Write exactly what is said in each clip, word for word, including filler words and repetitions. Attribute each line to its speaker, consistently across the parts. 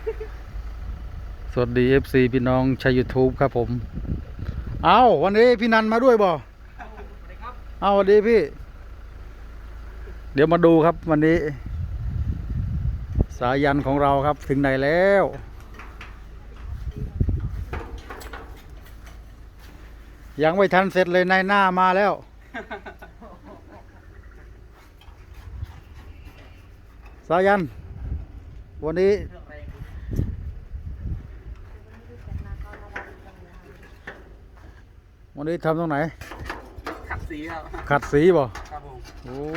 Speaker 1: สวัสดี เอฟ ซี พี่น้องใช้ YouTube ครับผมเอาวันนี้พี่นันมาด้วยบ่เอาวันนี้พี่เดี๋ยวมาดูครับวันนี้สายันของเราครับถึงไหนแล้วยังไม่ทันเสร็จเลยนายหน้ามาแล้วสายันวันนี้วันนี้ทำตรงไหน
Speaker 2: ขัดสีครับ
Speaker 1: ขัดสีบ่
Speaker 2: ครับผม
Speaker 1: โอ้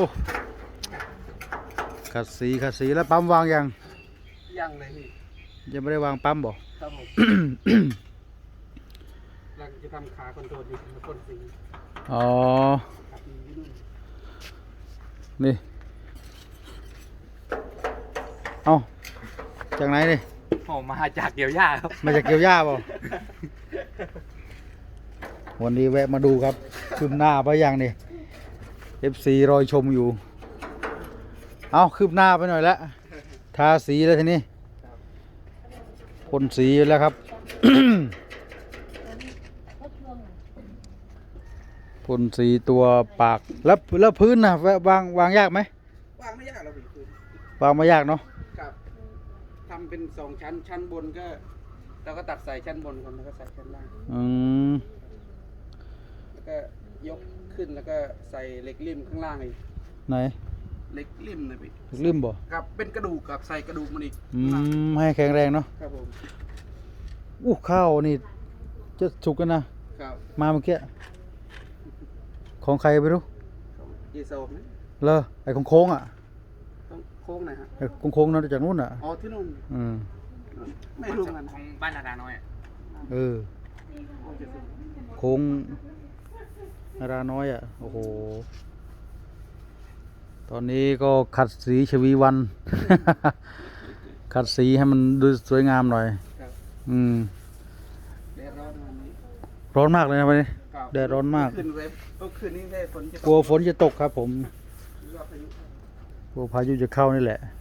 Speaker 1: ขัดสีขัดสีแล้วปั๊มวางยัง
Speaker 2: ยังเลยพี่
Speaker 1: ยังไม่ได้วางปั๊มบ่
Speaker 2: ครับผมเราจะทำขาคอนโทรลอยู่แล้วพ่นสี
Speaker 1: อ๋อนี่เอาจากไหนนี่
Speaker 2: ผมมาจากเกี่ยวหญ้าครับ
Speaker 1: มาจากเกี่ยวหญ้าบ่วันนี้แวะมาดูครับคืบหน้าไปยังนี่ เอฟ ซี รอยชมอยู่เอาคืบหน้าไปหน่อยแล้วทาสีแล้วทีนี้พ่นสีแล้วครับ พ่นสีตัวปากแล้วแล้วพื้นนะวางวางยากไหม
Speaker 2: วางไม่ยากเราพี่พื้น
Speaker 1: วางไม่ยากเนาะ
Speaker 2: ครับทำเป็นสองชั้นชั้นบนก็เราก็ตัดใส่ชั้นบนก่อนแล้วก็ใส่ชั้นล่าง
Speaker 1: อืม
Speaker 2: แล้วก็ยกขึ้นแล้วก็ใส่เหล็กริมข้างล่างอีก
Speaker 1: ไหน
Speaker 2: เหล็กริมนะพี่
Speaker 1: เหล็กริมบ่
Speaker 2: ครับเป็นกระดูกกับใส่กระดูกมันอีก
Speaker 1: อืมให้แข็งแรงเนาะ
Speaker 2: ครับผม
Speaker 1: อู้ข้าวนี่จะสุกกันนะครับมาเมื่อกี้ของใครไม่รู้
Speaker 2: เยโซมนะ
Speaker 1: เลอไอ้ของโค้งอ่ะ
Speaker 2: โค้งไหนฮะ
Speaker 1: ไอ้ของโค้งนั่นจากนู้นอ่ะ
Speaker 2: อ๋อที่นู่น
Speaker 1: อืม
Speaker 2: ไม่รู้กันของบ้านนาดาน้อย
Speaker 1: เออโค้งนาดาน้อยอ่ะโอ้โหตอนนี้ก็ขัดสีชวีวัน ขัดสีให้มันดูสวยงามหน่อยอืม
Speaker 2: แดดร้อนวันนี้
Speaker 1: ร้อนมากเลยนะวันนี้แดดร้อนมาก
Speaker 2: คืนเว็บคืนนี้ได้ฝนจะ
Speaker 1: กลัวฝนจะตกครับผมกลัวพายุจะเข้านี่แหละ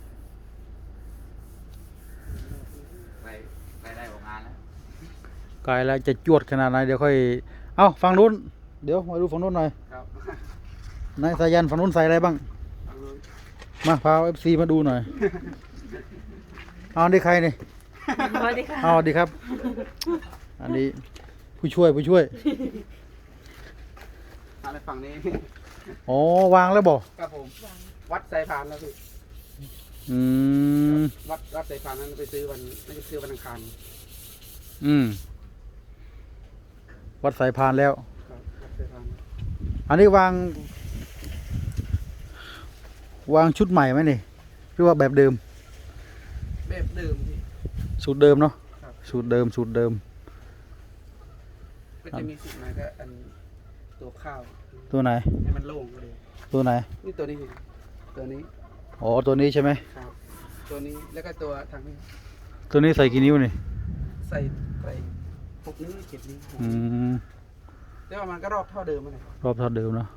Speaker 2: ไปไปได้ออกงานแล้ว
Speaker 1: ไกลแล้วจะจวดขนาดไหนเดี๋ยวค่อยเอ้าฝั่งนู้นเดี๋ยวมาดูฝั่งนู้นหน่อยนายสายันฝั่งนู้นใส่อะไรบ้างมาพาเอฟซีมาดูหน่อยเอาดีใครนี่
Speaker 3: สวัสดีค่ะ
Speaker 1: เอาดีครับอันนี้ผู้ช่วยผู้ช่วย
Speaker 2: อะไรฝั่งนี้
Speaker 1: อ๋อวางแล้วบอก
Speaker 2: ครับผมวัดสายพานแล้วพี่
Speaker 1: อืม
Speaker 2: วัดวัดสายพานนั้นไปซื้อวันนั่นก็ซื้อวันอังคาร
Speaker 1: อืมวัดสายพานแล้วอันนี้วางวางชุดใหม่ไหมนี่หรือว่าแบบเดิม
Speaker 2: แบบเดิมพี่
Speaker 1: สูตรเดิมเนาะสูตรเดิมสูตรเดิม
Speaker 2: ก็จะมีสูตรไหนก็อันตัวข้าว
Speaker 1: ตัวไหน
Speaker 2: ให้มันโล่งเลย
Speaker 1: ตัวไหน
Speaker 2: นี่ตัวนี้ตัวนี้
Speaker 1: อ๋อตัวนี้ใช่ไหม
Speaker 2: ครับตัวนี้แล้วก็ตัวทางนี้
Speaker 1: ตัวนี้ใส่กี่นิ้วนี่
Speaker 2: ใส่ใส่หกนิ้วเจ็ดนิ้ว
Speaker 1: อืม
Speaker 2: แต่ว่ามันก็รอบเท่าเดิมเลย
Speaker 1: รอบเท่าเดิมเนาะ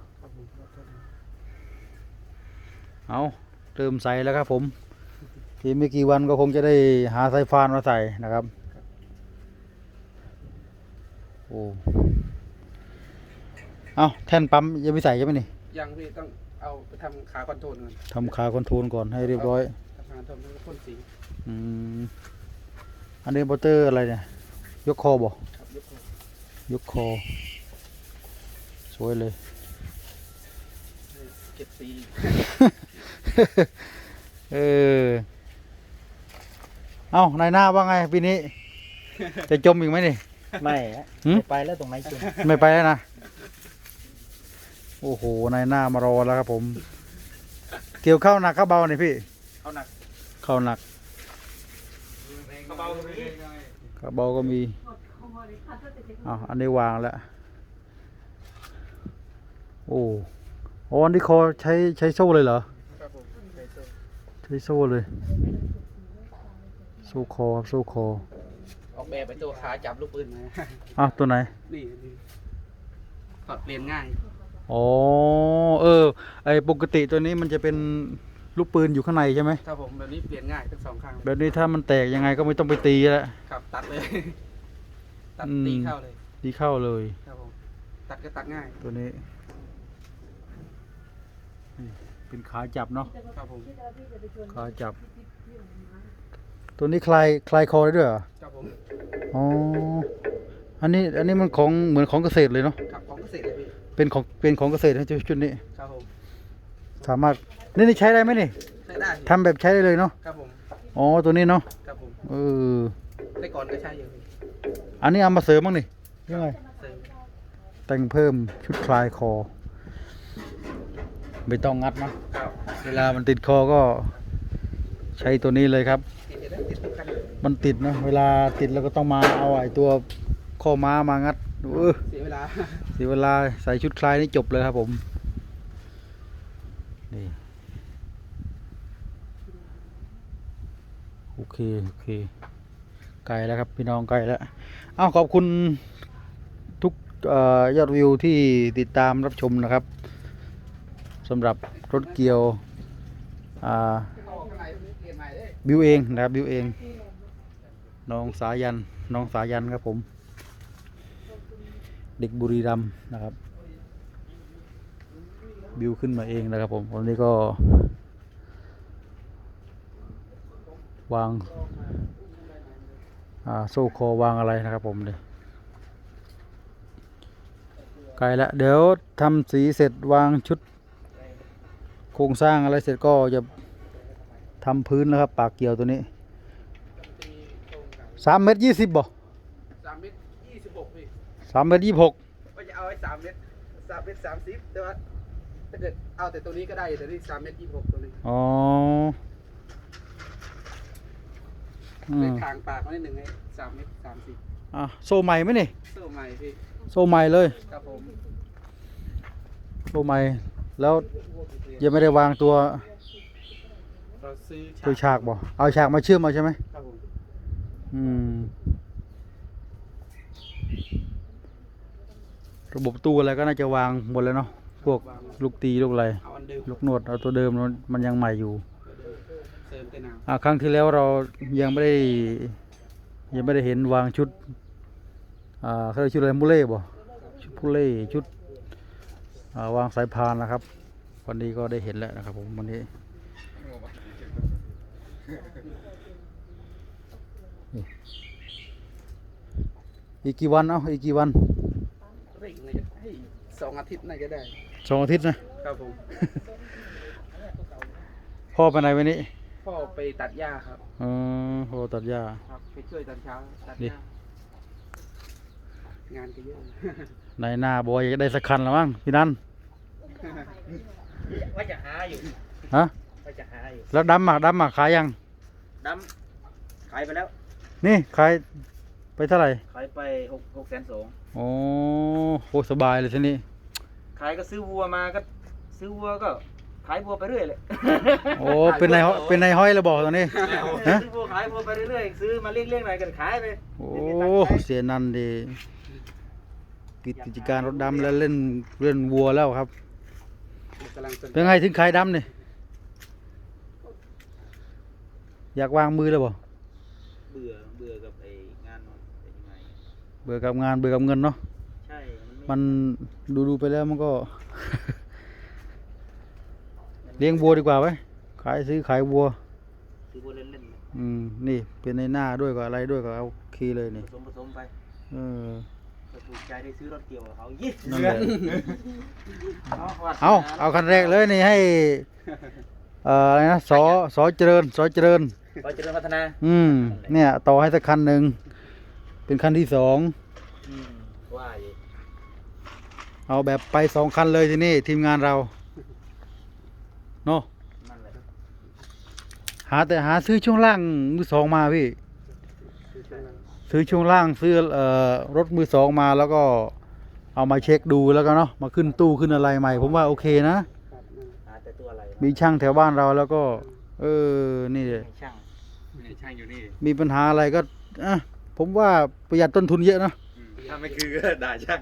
Speaker 1: เอาเติมใส่แล้วครับผมอีกไม่กี่วันก็คงจะได้หาสายฟานมาใส่นะครับโอ้เอาแท่นปั๊มยังไม่ใส่ใช่ไหมนี่
Speaker 2: ยังพี่ต้องเอาไปทำขาคอนโทรลก่อน
Speaker 1: ทำขาคอนโทรลก่อนให้เรียบร้อย
Speaker 2: ทำขาคอนโทรลแล้วก็พ่นสี
Speaker 1: อืมอันนี้มอเตอร์อะไรเนี่ยยกคอบ่ยกคอสวยเลย
Speaker 2: เก็บสี
Speaker 1: เออเอ้านายหน้าว่าไงปีนี้จะจมอีกไหมนี่
Speaker 3: ไม่ไม่ไปแล้วตรงไหนจม
Speaker 1: ไม่ไปแล้วนะโอ้โหนายหน้ามารอแล้วครับผมเกี่ยวข้าวหนักข้าวเบาหน่อยพี่
Speaker 2: ข้าวหนัก
Speaker 1: ข้าวหนัก
Speaker 2: ข้าวเบาก็มี
Speaker 1: ข้าวเบาก็มีอ้าวอันนี้วางแล้วโอ้โอ้อันนี้คอใช้ใช้โซ่เลยเหรอใช้โซ่เลยโซ่คอครับโซ่คอ
Speaker 2: ออกแบบไปตัวขาจับลูกปืนมา
Speaker 1: อ้าวตัวไหน
Speaker 2: นี่ถอดเปลี่ยนง่าย
Speaker 1: อ๋อเออไอปกติตัวนี้มันจะเป็นลูกปืนอยู่ข้างในใช่ไหม
Speaker 2: ครับผมแบบนี้เปลี่ยนง่ายทั้งสองข้างเลย
Speaker 1: แบบนี้ถ้ามันแตกยังไงก็ไม่ต้องไปตีแล้ว
Speaker 2: ครับตัดเลย ตัด
Speaker 1: อืม
Speaker 2: ตีเข้าเลย
Speaker 1: ตีเข้าเลย
Speaker 2: ครับผมตัดก็ตัดง่าย
Speaker 1: ตัวนี้นี่เป็นขาจับเนาะ
Speaker 2: ครับผม
Speaker 1: ขาจับ ตัวนี้คลายคลายคอได้ด้วยเหรอ
Speaker 2: ครับผม
Speaker 1: อ๋ออันนี้อันนี้มันของเหมือนของเกษตรเลยเนาะ
Speaker 2: ครับของเกษตรเลยพี่
Speaker 1: เป็นของเป็นของเกษตรนะชุดนี้
Speaker 2: ครับผม
Speaker 1: สามารถนี่นี่ใช้ได้ไหมนี่
Speaker 2: ใช้ได้พี่
Speaker 1: ทำแบบใช้ได้เลยเนาะ
Speaker 2: ครับผม
Speaker 1: อ๋อตัวนี้เนาะ
Speaker 2: ครับผม
Speaker 1: เออ
Speaker 2: ได้ก่อนก็ใช้อยู่พี่
Speaker 1: อันนี้เอามาเสริมบ้างนี่ยังไง
Speaker 2: เสริม
Speaker 1: แต่งเพิ่มชุดคลายคอ ไม่ต้องงัดเนาะ
Speaker 2: ครับ
Speaker 1: เวลามันติดคอก็ใช้ตัวนี้เลยครับ
Speaker 2: ติดอยู่ได้ติดทุกคันเลย
Speaker 1: มันติดนะเวลาติดเราก็ต้องมาเอาไอ้ตัวข้อม้ามางัดเออ
Speaker 2: เสียเวลา
Speaker 1: เสียเวลาใส่ชุดคลายนี่จบเลยครับผมนี่โอเคโอเคไกลแล้วครับพี่น้องไกลแล้วอ้าวขอบคุณทุกเอ่อยอดวิวที่ติดตามรับชมนะครับสำหรับรถเกียวอ่า
Speaker 2: เข้าข้างในเปลี่ยนใหม่เลย
Speaker 1: บิวเองนะครับบิวเองน้องสายันน้องสายันครับผม เด็กบุรีรัมย์นะครับบิวขึ้นมาเองนะครับผมวันนี้ก็วางอ่าโซ่คอวางอะไรนะครับผมเลยไกลละเดี๋ยวทำสีเสร็จวางชุดโครงสร้างอะไรเสร็จก็จะทำพื้นแล้วครับปากเกี่ยวตัวนี้สามเมตรยี่สิบบ่
Speaker 2: สามเมตรยี่สิบหกพี่
Speaker 1: สามเมตรยี่สิบหก
Speaker 2: ว่าจะเอาไว้สามเมตรสามเมตรสามสิบแต่ว่าถ้าเกิดเอาแต่ตัวนี้ก็ได้แต่นี่สามเมตรยี่สิบหกตัวนี้
Speaker 1: อ๋ออื
Speaker 2: เลย
Speaker 1: ม
Speaker 2: ทางปากมานิดหนึ่งให้สามเมตรสามสิบ
Speaker 1: อ่ะโซ่ใหม่ไหมนี่
Speaker 2: โซ่ใหม่พี่
Speaker 1: โซ่ใหม่เลย
Speaker 2: ครับผม
Speaker 1: โซ่ใหม่แล้วยังไม่ได้วางตัว
Speaker 2: เราซื้อ
Speaker 1: ตัวฉากบ่เอาฉากมาเชื่อมมาใช่ไหม
Speaker 2: ครับผม
Speaker 1: อืมระบบตู้อะไรก็น่าจะวางหมดแล้วเนาะพวกลูกตีลูกอะไร
Speaker 2: เอาอันเดิม
Speaker 1: ลูกนวดเอาตัวเดิมมันมันยังใหม่อยู่
Speaker 2: เสริมแต่หนาว
Speaker 1: อ่าครั้งที่แล้วเรายังไม่ได้ยังไม่ได้เห็นวางชุดอ่าเขาเรียกชุดอะไรมูเล่บ่ชุดพูเล่ชุดอ่าวางสายพานนะครับ วันนี้ก็ได้เห็นแล้วนะครับผมวันนี้นี่อีกกี่วันเอ้าอีกกี่วัน
Speaker 2: เร่งเลยให้สองอาทิตย์น่าจะได้
Speaker 1: สองอาทิตย์นะครับ
Speaker 2: ผม
Speaker 1: พ่อไปไหนวันนี้
Speaker 2: พ่อไปตัดหญ้าครับ
Speaker 1: อ๋อพ่อตัดหญ้า
Speaker 2: ครับไปช่วยตอนเช้าตัด
Speaker 1: ดิ
Speaker 2: หญ้างานก็เยอะ
Speaker 1: ในหน้าบอยจะได้สักคันแล้วมั้งพี่นัน
Speaker 3: ว่าจะหาอยู่
Speaker 1: ฮะ
Speaker 3: ว่าจะหาอยู่
Speaker 1: แล้วดำอ่ะดำอ่ะขายยัง
Speaker 3: ดำขายไปแล้ว
Speaker 1: นี่ขายไปเท่าไหร่
Speaker 3: ขายไปหกหกแสนสอง
Speaker 1: โอ้โหสบายเลยทีนี้
Speaker 3: ขายก็ซื้อวัวมาก็ซื้อวัวก็ขายวัวไปเรื่อยเลย
Speaker 1: โอ้เป็นนายห้อยเป็นนายห้อยแล้วบอกตอนนี้ ฮะ
Speaker 3: ซื้อวัวขายวัวไปเรื่อยๆซื้อมาเลี้ยงๆหน่อยก็ขายไป
Speaker 1: โอ้
Speaker 3: ไม่มีตังค์ใช้
Speaker 1: เสียนันดีปิดกิจการรถดำแล้วเล่นเล่นวัวแล้วครับ
Speaker 2: กำลังสน
Speaker 1: เป็นไงถึงขายดำนี่อยากวางมือแล้วบ่
Speaker 3: เบื่อเบื่อกับไอ้งานมันเป็นยังไง
Speaker 1: เบื่อกับงานเบื่อกับเงินเนาะ
Speaker 3: ใช่
Speaker 1: มันดูดูไปแล้วมันก็ เลี้ยงวัวดีกว่าไว้ขายซื้อขายวัว
Speaker 3: ซื้อวัวเล่นๆเลย
Speaker 1: อืมนี่เป็นในหน้าด้วยกับอะไรด้วยก็เอาคีเลยนี่
Speaker 3: ผสมผสมไป
Speaker 1: เออ
Speaker 3: ก็ถูกใจได้ซื้อรถเกี่ยวกับเขายี่
Speaker 1: นั่นแหละ
Speaker 3: เอาวัด
Speaker 1: เอาเอาคันแรกเลยนี่ให้เอ่ออะไรนะสอสอเจริญสอเจริญ
Speaker 3: ก็เจริญพัฒนา
Speaker 1: อืมเนี่ยต่อให้สักคันหนึ่งเป็นคันที่สอง
Speaker 3: อืมว่าอยู่
Speaker 1: เอาแบบไปสองคันเลยทีนี้ทีมงานเราเนาะ
Speaker 3: นั่นแหละ
Speaker 1: หาแต่หาซื้อช่วงล่างมือสองมาพี่ ซื้อช่วงล่างซื้อเอ่อรถมือสองมาแล้วก็เอามาเช็คดูแล้วก็เนาะมาขึ้นตู้ขึ้นอะไรใหม่ ผมว่าโอเคนะ
Speaker 3: หาแต่ตัวอะไร
Speaker 1: มีช่างแถวบ้านเราแล้วก็ เออนี่เลย
Speaker 3: ช่างช่างอยู่นี่
Speaker 1: มีปัญหาอะไรก็อ่ะผมว่าประหยัดต้นทุนเยอะนะ
Speaker 3: ถ้าไม่คือก็ด่าช่าง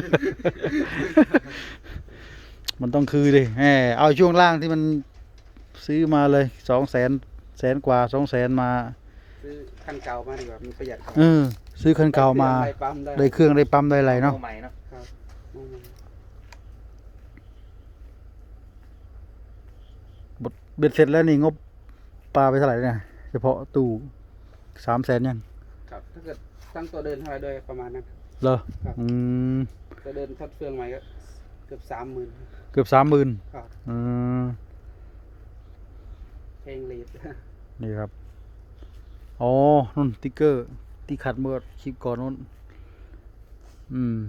Speaker 1: มันต้องคือดิแหมเอาช่วงล่างที่มันซื้อมาเลยสองแสนแสนกว่าสองแสนมา
Speaker 2: ซื้อคันเก่ามาดีกว่ามันประหยัดกว่า
Speaker 1: เออ ซื้อคันเก่ามา
Speaker 2: ได้ปั๊มได้
Speaker 1: ได้เครื่องได้ปั๊มได้อะไรเนาะ
Speaker 3: ใหม่เนาะ
Speaker 2: ครับอืม
Speaker 1: เบ็ดเสร็จแล้วนี่งบปลาไปเท่าไหร่เนี่ยเฉพาะตู้สามแสนยัง
Speaker 2: ครับถ้าเกิดตั้งตัวเดินเท่าไหรด้วยประมาณนั้น
Speaker 1: เหรอ
Speaker 2: ครับ
Speaker 1: อืม
Speaker 2: ตัวเดินทัดเฟืองใหม่ก็เกือบสามหมื่น
Speaker 1: เกือบสามหมื่น
Speaker 2: ครับ
Speaker 1: อืม
Speaker 2: เพลงลีด
Speaker 1: นี่ครับอ๋อนุ่นติ๊กเกอร์ที่ขัดเมื่อคลิปก่อนนู้นอืม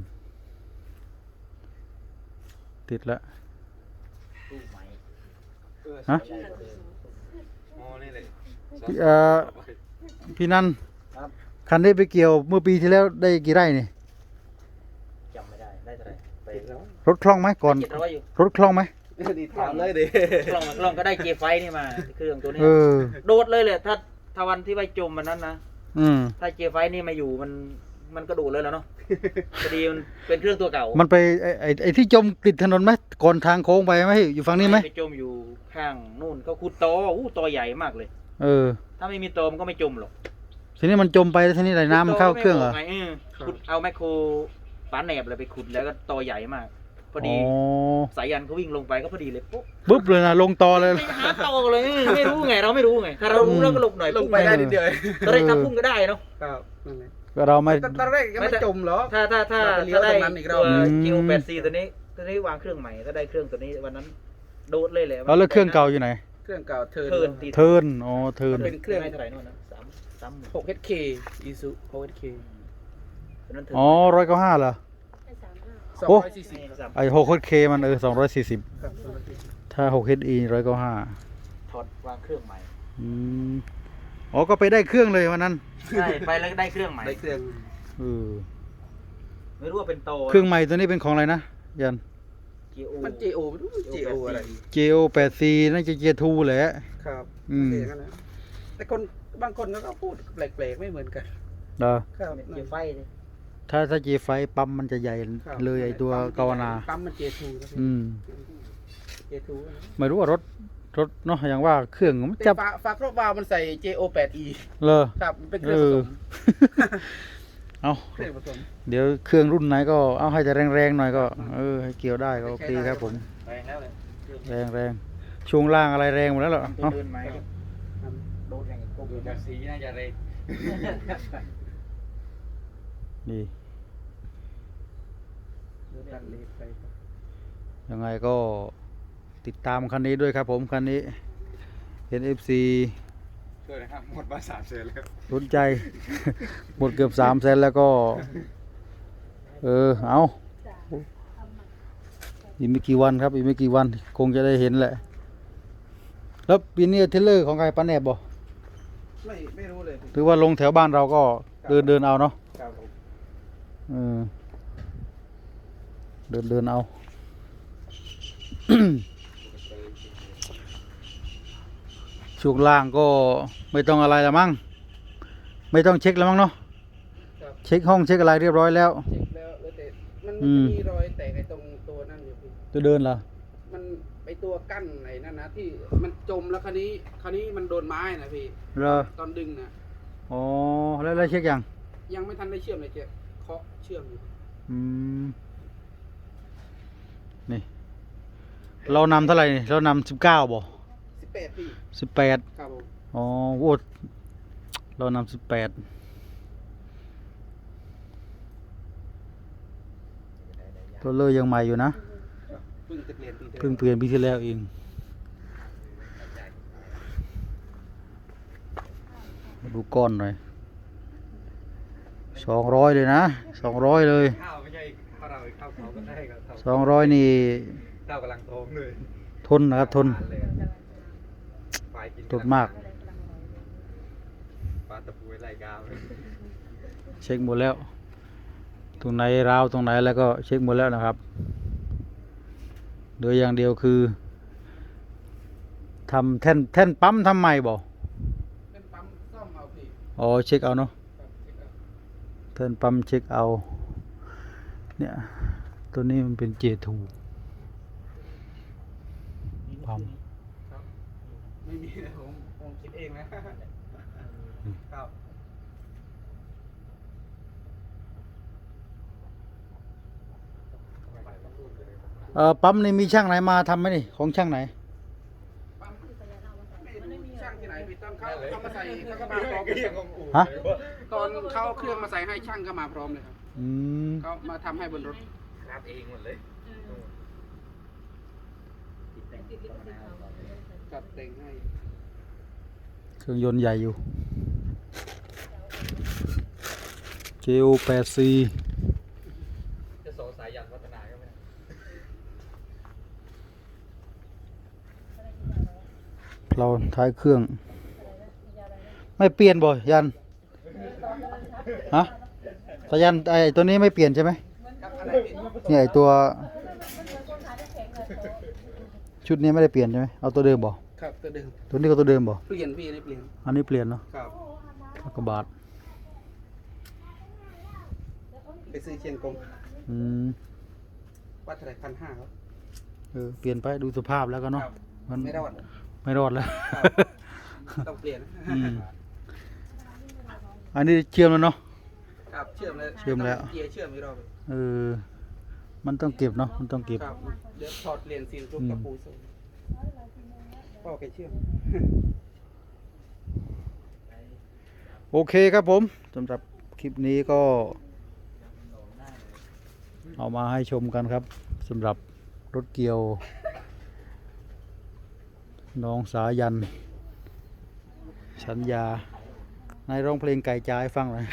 Speaker 1: ติดแล้ว
Speaker 3: ตู้ใหม่
Speaker 1: ฮะ
Speaker 3: ใช่กว่าเดิม
Speaker 2: อ๋อนี่เลย
Speaker 1: พี่เอ่อพี่นัน
Speaker 3: ครับ
Speaker 1: คันนี้ไปเกี่ยวเมื่อปีที่แล้วได้กี่ไร่นี่
Speaker 3: จำไม่ได้ได้เท่าไหร่ไป
Speaker 2: ติดแล้ว
Speaker 1: รถคล่องไหมก่อน
Speaker 3: เจ็ดร้อยอยู่
Speaker 1: รถคล่องไหม
Speaker 2: ดีถามเลยดิ
Speaker 3: กล้องกล้องก็ได้เจไฟนี่มาเครื่องตัวนี้
Speaker 1: เออ
Speaker 3: โดดเลยเลยถ้าถ้าวันที่ไปจมมันนั้นนะ
Speaker 1: อืม
Speaker 3: ถ้าเจไฟนี่มาอยู่มันมันก็โดดเลยแล้วเนาะพอดีมันเป็นเครื่องตัวเก่า
Speaker 1: มันไปไอ้ไอ้ไอ้ที่จมติดถนนไหมก่อนทางโค้งไปไหมอยู่ฝั่งนี้ไหม
Speaker 3: ไปจมอยู่ข้างนู่นเขาขุดตออู้ตอใหญ่มากเลย
Speaker 1: เออ
Speaker 3: ถ้าไม่มีตอมันก็ไม่จมหรอก
Speaker 1: ทีนี้มันจมไปแล้วทีนี้ไหลน้ำมันเข้าเครื่องเหรอ
Speaker 3: ขุดตไม่กไงเออขุดเอาแมคโครปาแหนบเลยไปขุดแล้วก็ตอใหญ่มาก พอดี
Speaker 1: อ๋อ
Speaker 3: สายยันเขาวิ่งลงไปก็พอดีเลยปุ๊บ
Speaker 1: บึ๊บเลยนะลงตอเลย
Speaker 3: ไม่หาตอเลยไม่รู้ไงเราไม่รู้ไงถ้าเรารู้เราก็หลบหน่อย
Speaker 2: ลงไปได้นิดเดียว
Speaker 3: ตอนแรกทำพุ่งก็ได้เนาะ
Speaker 2: ครับนั่นแหละ
Speaker 1: ก็เราไม่
Speaker 2: ตอนแรกยังไม่จมเหรอ
Speaker 3: ถ้าถ้าถ้า
Speaker 2: เราไปเลี้ยว
Speaker 3: ถ้าได้
Speaker 2: ตรงนั้นอีกรอบ
Speaker 3: ตัว
Speaker 1: อืม
Speaker 3: คิวแปดซีตัวนี้ตัวนี้วางเครื่องใหม่ถ้าได้เครื่องตัวนี้วันนั้นโดดเลยแหละ
Speaker 1: แล้วแล้วเครื่องเก่าอยู่ไหน
Speaker 2: เครื่องเก่าเทิร์น
Speaker 3: เทิร์นตี
Speaker 1: เทิร์นอ๋อเทิร์น
Speaker 2: เป็นเครื่อง
Speaker 3: ไม่เท่าไหร่นู่นนะสามสามหมื่น
Speaker 2: หก เอช เค อีซูหก เอช เค
Speaker 3: ตัวนั้นเทิร์น
Speaker 1: อ๋อร้อยเก้าห้าเหรอ
Speaker 2: สอง
Speaker 1: โอ้
Speaker 2: ร้อยสี่สิบ
Speaker 3: สาม
Speaker 1: ไอหกเคมันเออสองร้อยสี่สิบ
Speaker 2: ครับสองร้อยสี่สิบ
Speaker 1: ถ้าหกเออีร้อยเก้าห้า
Speaker 3: ถอดวางเครื่องใหม่
Speaker 1: อืมอ๋อก็ไปได้เครื่องเลยวันนั้น
Speaker 3: ใช่ไปแล้วก็ได้เครื่องใหม่
Speaker 2: ได้เครื่อง
Speaker 1: เออ
Speaker 3: ไม่รู้ว่าเป็นโต
Speaker 1: เครื่องใหม่ตัวนี้เป็นของอะไรนะยัน
Speaker 3: เกีย
Speaker 2: มัน เจ โอ ไม่รู้ เจ โอ อะไร
Speaker 1: เจโอแปดซีน่าจะเจทูแหละ
Speaker 2: ครับ
Speaker 1: อืม
Speaker 2: เสียงกันนะแต่คนบางคนก็พูดแปลกๆไม่เหมือนกัน
Speaker 1: เด้อ
Speaker 2: ครับ
Speaker 3: เกียร์ไฟเลย
Speaker 1: ถ้าถ้าเจไฟปั๊มมันจะใหญ่
Speaker 2: ครับ
Speaker 1: เลยไอตัวกาวนา
Speaker 2: ปั๊มมัน เจ ทู
Speaker 1: อืม
Speaker 2: เจ ทู
Speaker 1: ไม่รู้ว่ารถรถเนาะอย่างว่าเครื่องมัน
Speaker 2: แต่
Speaker 1: จับ
Speaker 2: ฝาฝาครอบวาล์วมันใส่ เจ โอ แปด อี
Speaker 1: เลย
Speaker 2: ครับมันเป็นเครื่องผสม
Speaker 1: เอา
Speaker 2: เครื่องผสม
Speaker 1: เดี๋ยวเครื่องรุ่นไหนก็เอาให้จะแรงๆหน่อยก็เออให้เกี่ยวได้ก็โอเคครับผม
Speaker 3: แรงแล้วเลย
Speaker 1: แรงแรงช่วงล่างอะไรแรงหมดแล้วเหรอ
Speaker 3: ตัว
Speaker 1: เนาะ
Speaker 3: เดินไหมโดดแรงกบ
Speaker 2: ดูจากสีน่าจะเร็ว
Speaker 1: นี่
Speaker 2: ตัดเลนไป
Speaker 1: ยังไงก็ติดตามคันนี้ด้วยครับผมคันนี้เห็น เอฟ ซี
Speaker 2: ช่วยนะครับหมดมาสามเซนแล้ว
Speaker 1: สนใจ หมดเกือบสามแสนแล้วก็ เออเอาอีกไม่กี่วันครับอีกไม่กี่วันคงจะได้เห็นแหละ แล้วปีนี้เทรลเลอร์ของใครป้าแนบบ่
Speaker 2: ไม่ไม่รู้เลย
Speaker 1: หรือว่าลงแถวบ้านเราก็เดินเดินเอาเนาะ
Speaker 2: ครับผม
Speaker 1: เออเดินเดินเอา ช่วงล่างก็ไม่ต้องอะไรละมั้งไม่ต้องเช็คแล้วมั้งเนาะ
Speaker 2: ครับ
Speaker 1: เช็คห้องเช็คอะไรเรียบร้อยแล้ว
Speaker 2: เช็คแล้วแล้วแต่มัน
Speaker 1: อื
Speaker 2: มัน
Speaker 1: ม
Speaker 2: จะมีรอยแตกไอ้ตรงตัวนั่นอยู่พี่
Speaker 1: จะเดินเหรอ
Speaker 2: มันไอตัวกั้นไอ้นั่นนะที่มันจมแล้วคราวนี้คราวนี้มันโดนไม้นะพี่
Speaker 1: เหรอ
Speaker 2: ตอนดึงนะ
Speaker 1: อ๋อแล้วแล้วเช็คยัง
Speaker 2: ยังไม่ทันได้เชื่อมเลยเจ๊เคาะเชื่อมอยู่
Speaker 1: อืมนี่ เรานำเท่าไหร่นี่เรานำสิบเก้าบ่
Speaker 2: สิบแปดพี่
Speaker 1: สิบแปด
Speaker 2: ครับผม
Speaker 1: อ๋อโอ้เรานำสิบแปดตัวเลอร์ยังใหม่อยู่นะ
Speaker 2: เพิ่งจะเปลี่ยนปีเดิม
Speaker 1: เพิ่งเปลี่ยนปีที่แล้วเอง มาดูก้อนหน่อย สองร้อยเลยนะ สองร้อยเลย
Speaker 2: ข้าวไม่ใช่ข้าวเราข้าวเขาก็ได้ครับ
Speaker 1: สองร้อยนี่
Speaker 2: ข้าวกำลังท้องเลย
Speaker 1: ทนนะครับ ทน
Speaker 2: ฝ่ายกิน
Speaker 1: ทนมาก
Speaker 2: ปลาตะปูไล่กาว
Speaker 1: เช็คหมดแล้ว ตรงไหนราวตรงไหนแล้วก็เช็คหมดแล้วนะครับโดยอย่างเดียวคือทำแท่นแท่นปั๊มทำใหม่บ่
Speaker 2: เป็นปั๊มซ่อมเอาพี่
Speaker 1: อ๋อเช็คเอาเนาะ
Speaker 2: ครับเช็คเอา
Speaker 1: แท่นปั๊มเช็คเอา เนี่ย ตัวนี้มันเป็นเจทูปั๊ม
Speaker 2: ครับไม่มีนะผมผมคิดเองนะครับ
Speaker 1: เออปั๊มนี่มีช่างไหนมาทำไหมนี่ของช่างไหน
Speaker 2: ปั๊มไม่รู้ช่างที่ไหนพี่ตอนเขาเขามาใส่เขาก็มาพร้อมเลย
Speaker 1: ฮะ
Speaker 2: ตอนเขาเอาเครื่องมาใส่ให้ช่างก็มาพร้อมเลยครับ
Speaker 1: อืม
Speaker 2: เขามาทำให้บนรถ
Speaker 3: รับเองหมดเลย
Speaker 2: จัดแต่งให้
Speaker 1: เครื่องยนต์ใหญ่อยู่ เจ โอ แปด ซี
Speaker 3: จะโซสายยันวัฒนาก็ไม่ได้
Speaker 1: เราท้ายเครื่อง ไม่เปลี่ยนบ่ยัน ฮะสายันไอตัวนี้ไม่เปลี่ยนใช่ไหม
Speaker 2: ครับอะไรพี่
Speaker 1: เนี่ยไอตัว ชุดนี้ไม่ได้เปลี่ยนใช่ไหมเอาตัวเดิมบ่
Speaker 2: ครับตัวเดิม
Speaker 1: ตัวนี้ก็ตัวเดิมบ่
Speaker 2: เปลี่ยนพี่นี่เปลี่ยน
Speaker 1: อันนี้เปลี่ยนเนาะ
Speaker 2: ครับ
Speaker 1: กระบาท
Speaker 2: ไปซื้อเชียงกง
Speaker 1: อืม
Speaker 2: วัดเท่าไหร่พันห้าครับ
Speaker 1: เออเปลี่ยนไปดูสภาพแล้วก็เนาะ
Speaker 2: ครับ
Speaker 1: มัน
Speaker 2: ไม่รอด
Speaker 1: ไม่รอดแล้ว
Speaker 2: ครับ ต้องเปลี่ยน
Speaker 1: อืมอันนี้เชื่อมแล้วเนาะ
Speaker 2: ครับเชื่อมแล้ว
Speaker 1: เชื่อมแล้ว
Speaker 2: เกียร์เชื่อมไม่รอบ
Speaker 1: เออ มันต้องเก็บเนาะ มันต้องเก็บ
Speaker 2: ครับเดี๋ยวถอดเหรียญซีนทุกกระปูส่งพ่อแกเชื่อม
Speaker 1: โอเคครับผมสำหรับคลิปนี้ก็ เอามาให้ชมกันครับสำหรับรถเกียว น้องสายัน สัญญานายร้องเพลงไก่จ้าให้ฟังหน่อย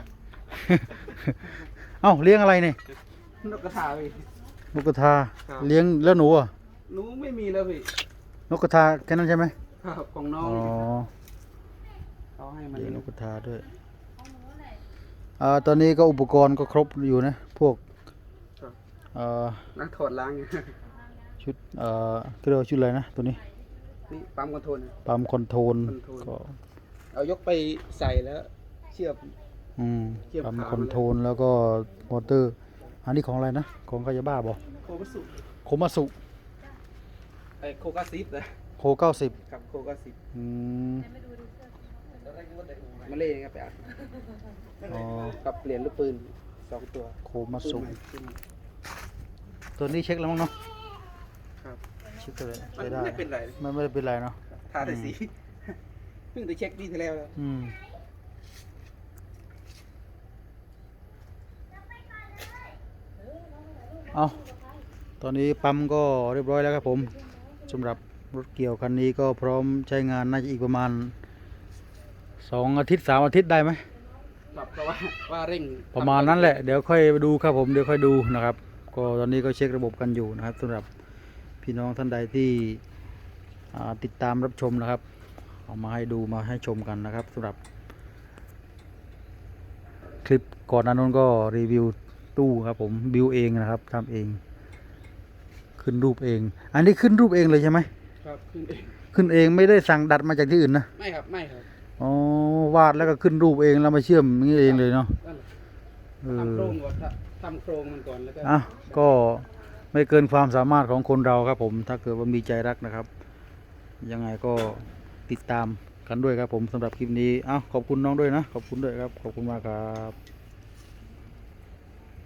Speaker 1: เอ้าเลี้ยงอะไรเนี่ย
Speaker 2: นกกระทาพี่
Speaker 1: นกกระทา
Speaker 2: ครับ
Speaker 1: เลี้ยงแล้วหนูอ่ะ
Speaker 2: หนูไม่มีแล้วพี่
Speaker 1: นกกระทาแค่นั้นใช่ไหม
Speaker 2: ครับของน้อ
Speaker 1: อ๋
Speaker 2: ง
Speaker 1: อ
Speaker 2: เขาให้มัน
Speaker 1: เลี้ยงนกกระทาด้วยอ่าตอนนี้ก็อุปกรณ์ก็ครบอยู่นะ พวก
Speaker 2: ครับ
Speaker 1: เอ่อ
Speaker 2: นักถอดล้าง
Speaker 1: ชุดเอ่อเรียกว่าชุดอะไรนะตัวนี้
Speaker 2: นี่ปั๊มคอนโทรล
Speaker 1: ปั๊มคอนโทรล
Speaker 2: คอนโทรล
Speaker 1: ก็
Speaker 2: เอายกไปใส่แล้ว เชื่อม
Speaker 1: อืม
Speaker 2: เทียบ
Speaker 1: ปั๊ม
Speaker 2: ขา
Speaker 1: คอนโทรลแล้วก็มอเตอร์ อันนี้ของอะไรนะ ของกายาบ้าบอ
Speaker 2: โคกัสสุ
Speaker 1: โคมาสุ
Speaker 2: ไอโคกัสซิฟนะ
Speaker 1: โคเก้าสิบ
Speaker 2: กับโคกัสซิฟ
Speaker 1: อืม
Speaker 2: มาเล่นครับไปอัด
Speaker 1: อ๋อ
Speaker 2: กับเปลี่ยนลูกปืนสองตัว
Speaker 1: โคมาสุ
Speaker 2: ปืนใหม่ปืนใหม่
Speaker 1: ตัวนี้เช็คแล้วมั้งเนาะ
Speaker 2: ครับ
Speaker 1: เช็คเลย
Speaker 2: มัน
Speaker 1: ใช้ได้
Speaker 2: ไม่เป็นไร
Speaker 1: มันไม่ได้เป็นไรเนาะ
Speaker 2: ทาแต่สี เพิ่งไปเช็คดีที่แล้วแล้ว
Speaker 1: อืมเอาตอนนี้ปั๊มก็เรียบร้อยแล้วครับผมสำหรับรถเกี่ยวคันนี้ก็พร้อมใช้งานน่าจะอีกประมาณสองอาทิตย์สามอาทิตย์ได้ไหม
Speaker 2: ครับเพราะว่าว่าเร่ง
Speaker 1: ประมาณนั้นแหละเดี๋ยวค่อยดูครับผมเดี๋ยวค่อยดูนะครับ ก็ตอนนี้ก็เช็คระบบกันอยู่นะครับสำหรับพี่น้องท่านใดที่อ่าติดตามรับชมนะครับเอามาให้ดูมาให้ชมกันนะครับสำหรับ คลิปก่อนหน้านั้นก็รีวิวตู้ครับผมบิวเองนะครับทำเอง ขึ้นรูปเอง อันนี้ขึ้นรูปเองเลยใช่ไหม
Speaker 2: ครับขึ้นเอง
Speaker 1: ขึ้นเองไม่ได้สั่งดัดมาจากที่อื่นนะ
Speaker 2: ไม่ครับไม่ครับ
Speaker 1: อ๋อวาดแล้วก็ขึ้นรูปเองแล้วมาเชื่อมอย่างนี้เองเลยเนาะ
Speaker 2: นั่นแหละ
Speaker 1: เอ
Speaker 2: ทำโคร
Speaker 1: อง
Speaker 2: ก่อนครับทำโครงมันก่อนแล้วก็
Speaker 1: อ่ะก็ไม่เกินความสามารถของคนเราครับผมถ้าเกิดว่ามีใจรักนะครับ ยังไงก็ติดตามกันด้วยครับผมสำหรับคลิปนี้อ้าวขอบคุณน้องด้วยนะขอบคุณด้วยครับขอบคุณมากครับ